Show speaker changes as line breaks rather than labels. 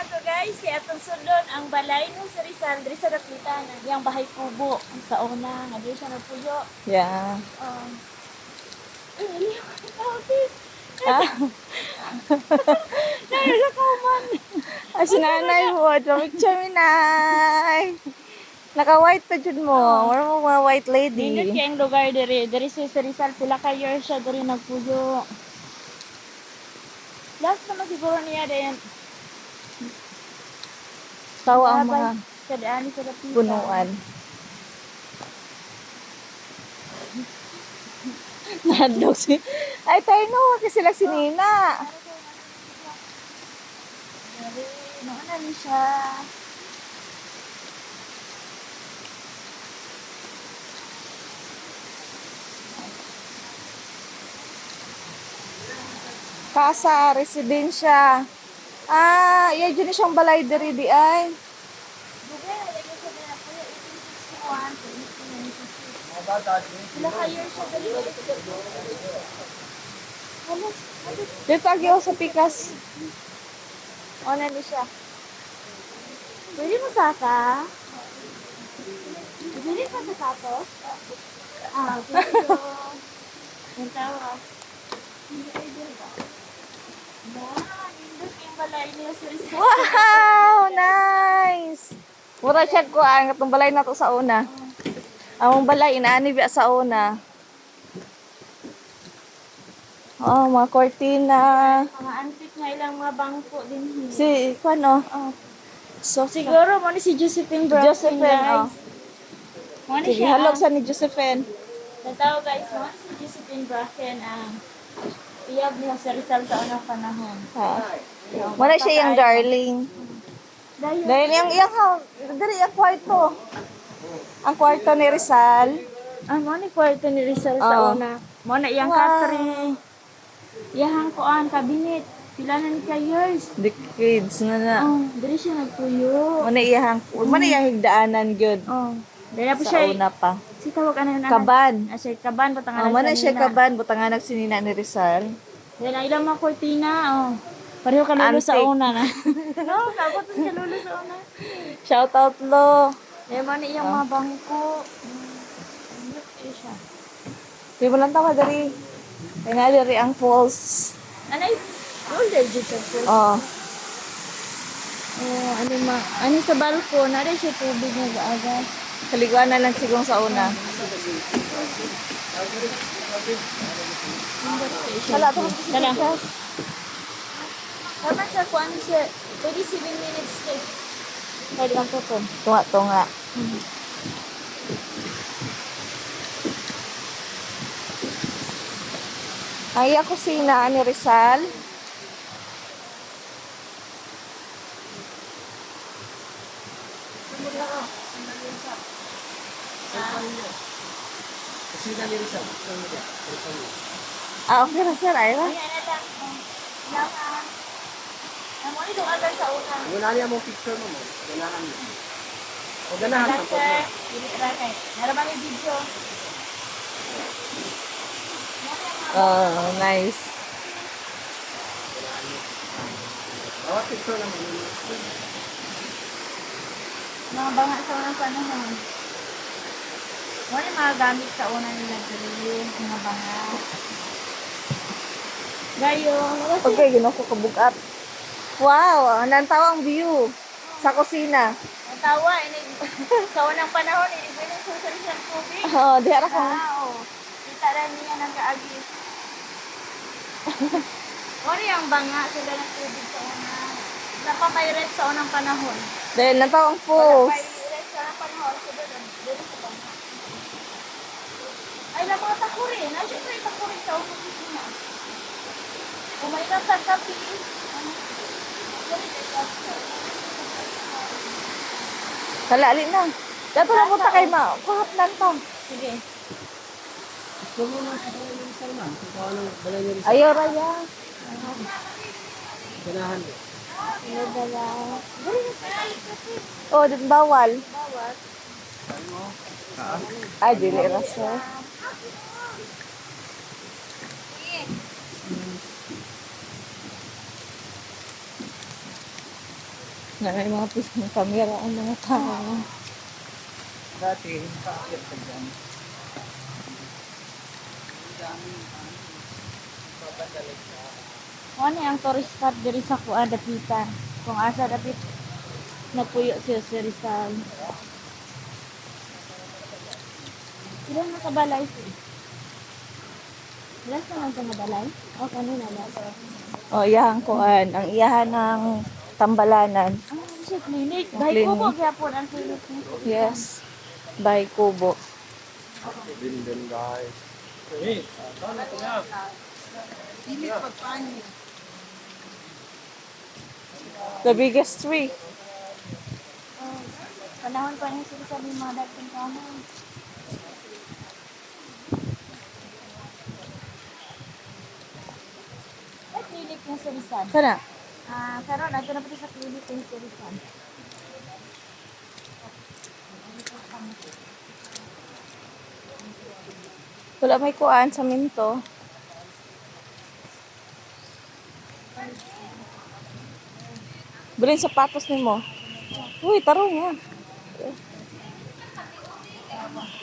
to guys, kaya atong sundon ang balay no sa Rizal, diri sa Dapitan, yang bahay kubo sa una, nga diri siya nagpuyo.
Yeah.
Ay, ikaw sis.
Ah,
Naya ka man.
ay, si nanay mo. Picture mi, nay. Naka-white pa dyan mo. Wala mo mga white
Nindot
lady.
kay ang lugar diri sa Rizal, pila ka years siya diri nagpuyo. Last naman siguro niya din.
Tawa ang mga
sa daan sa Dapitan.
punuan. Nadlog si... Ay, tayo no. Kasi sila si Nina.
Dari, nauna ni siya.
Casa, residensya. Ah, iya dyan siyang balay diri di ay.
Dugay na lagi siya din ako yung 1861 to 1896. Sila ka years siya dali. Halos,
Dito agi ako sa Pikas.
o na ni siya. Pwede mo saka? Pwede ka sa tapos? Pwede ko. Yung tawa. Hindi pwede ba? Nindot yung balay niya sa Rizal.
Wow, nice. Mura siya ko ang katong balay na to sa una. Among balay inaani biya sa una. Oh, mga cortina.
Mga antique nga ilang mga bangko din.
Si ano?
Oh.
So
Siguro mo ni si Josephine Brown.
Josephine, oh.
Mo ni
Sige,
siya.
halog sa ni Josephine.
Tataw guys, mo ni si Josephine Bracken ang iyab niya sa Rizal sa unang panahon.
Wala siya yung darling.
Dahil
Dahil yung dali yung kwarto. Ang kwarto ni Rizal.
mo ni kwarto ni Rizal
Oo.
sa una. Mo na iyang
Wow.
katri. Iyang kuan kabinet. Pila na ni ka years.
Decades na na.
Oh, diri siya nagpuyo.
Muna iyang higdaanan good.
Oh, dahil po
Sa
siya.
una pa.
Si tawag ano yun?
Kaban.
Siya kaban patangan
Muna siya kaban. Butangan nagsinina ni Rizal.
Yan ang ilang mga kortina, oh. Pareho ka lulo sa
Antique.
una na. No, kapot ka lulo sa una.
Shout out lo.
Yan mo na iyang mga bangko. Siya.
Di mo lang tama dari. Kaya nga dari ang falls.
Anay, older dito sa pool.
Oh.
Oh, ano sa balkon, nari siya tubig na gaagas.
Kaliguan na lang sigong sa una. Wala ito.
Tala. Dapat sa kuan siya, 27 minutes stay.
Pwede lang po. Tunga-tunga. Ang iya kusina ni Rizal. Ah, okay na sir. Ay,
Ayan na lang. Yaman. Ang mo nito agad sa una.
Wala niya mong picture mo. Ganahan mo. O ganahan
Lang
ka po.
sir, hindi kay. Naraman yung video.
oh, nice.
Bawat picture lang mo.
Mga banga sa unang panahon. Wala yung mga gamit sa una nila dili, mga banga. Gayo,
Okay, ginawa ko kabugat. Wow, nantawa ang view sa kusina.
ang tawa, sa unang panahon, inibigay sa salisang tubig.
Oh, di ara ko.
Oo. Kita rin niya ng kaagis. Wala yung banga, sila ng tubig sa una. Wala pa may red sa unang panahon.
Dahil nantawa ang
Wala
falls.
pa red sa unang panahon, so doon, doon sa banga. Ay, na mga takuri. Nandiyo pa yung takuri sa unang kusina. Kung may nasang kapi,
Kalali na. Dato na punta kay ma. Kuhap lang to.
sige.
Gusto mo na sa balay ni Rizal man. Kung paano balay ni Rizal.
Ayaw raya.
Ganahan mo.
Nadala.
Oh, din bawal.
Bawat.
Ay, dili raso. Na may mga pisang kamera ang mga tao.
Dati, kakit ka dyan.
Ano ang tourist spot diri sa Kuan Dapitan? Kung asa dapit nagpuyo siya sa Rizal. Ilan na kabalay siya? Ilan sa mga kabalay? O kanina na.
O, iyahan kuan. Ang iyahan ng Tambalanan.
Ah, siya clinic.
Ang
Dahil
clinic.
kubo gyapon ang clinic nito.
Yes. By Kubo. The biggest tree.
Oh, panahon pa niya sila sa mga dating kanon. Ay, clinic niya sa Rizal.
Kana?
Ah, karon ato na pati sa clinic niya sa Rizal.
Wala may kuan sa minto. Bilhin sapatos ni mo. Uy, tarong nga.